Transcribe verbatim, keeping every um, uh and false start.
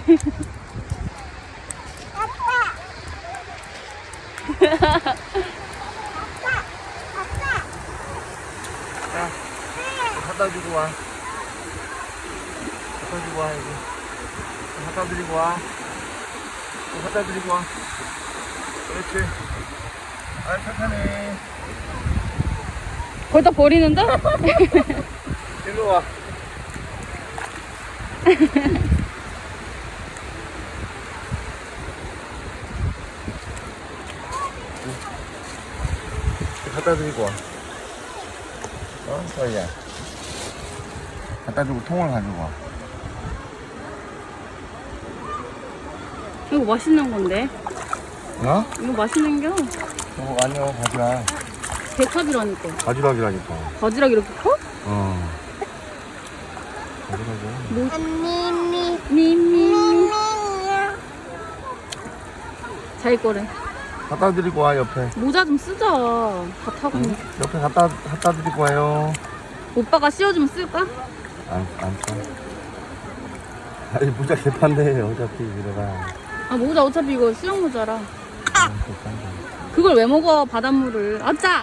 자, 갖다 주고 와. 갖다 주고 와, 여기. 갖다 드리고 와. 갖다 드리고 와. 그렇지. 아, 착하네. 거기다 버리는데? 일로 와. 갖다 드리고 와. 어, 서희야. 갖다 주고 통을 가지고 와. 이거 맛있는 건데. 어? 이거 맛있는 겨. 어, 아니요, 바지락. 개탑이라니까. 바지락이라니까. 바지락 이렇게 커? 어. 바지락이야. 미미 미미. 자기 거래. 갖다 드리고 와, 옆에. 모자 좀 쓰자. 다 타고. 응? 옆에 갖다, 갖다 드리고 와요. 오빠가 씌워주면 쓸까? 안, 안 써. 아니, 모자 개판데, 어차피, 이러다. 아, 모자 어차피 이거 수영 모자라. 아, 개판데. 그걸 왜 먹어, 바닷물을. 아짜!